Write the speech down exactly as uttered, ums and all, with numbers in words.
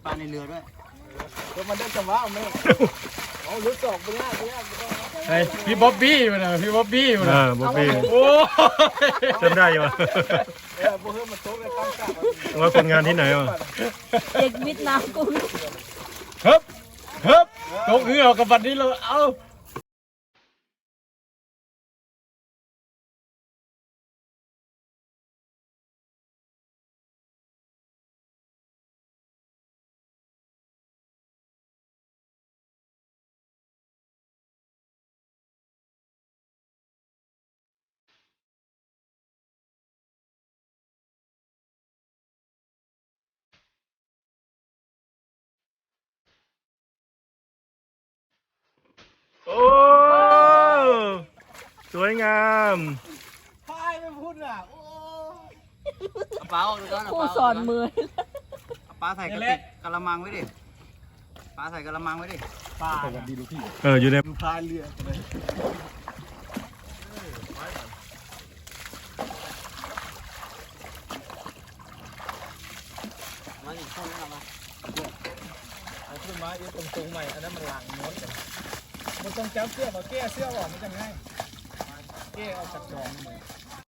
ปลาในเรือด้วยก็มันได้จังหวะไหมเอาลุกออกไปยากไปยากไอ้พี่บ๊อบบี้มันนะพี่บ๊อบบี้มันเอนะอบ๊อบบี้โอ้จำได้อยู่เออพวกเฮ้ยมันโต๊ะเลยตั้งกะว่าคนงานที่ไหนวะเด็กวิทย์น้ำกุ้งเฮ้บเฮ้บตกเหงื่อกับบัดนี้เราเอาโอ้สวยงามพายไม่พูดอ่ะโอ้เอาปลาออกดูก่อนครูสอนมือเอาปลาใส่กระติกกะละมังไว้ดิปลาใส่กะละมังไว้ดิปลาดีลูกพี่เอออยู่ในดูพายเรือเลยมันอีกคนนึงเอามาเอาขึ้นมาอีกตรงๆใหม่อันนั้นมันหลังม้วนกันมันต้องจับเสื้อมาแก้เสื้อออกมันจะง่ายแก้เอาจากจองเลย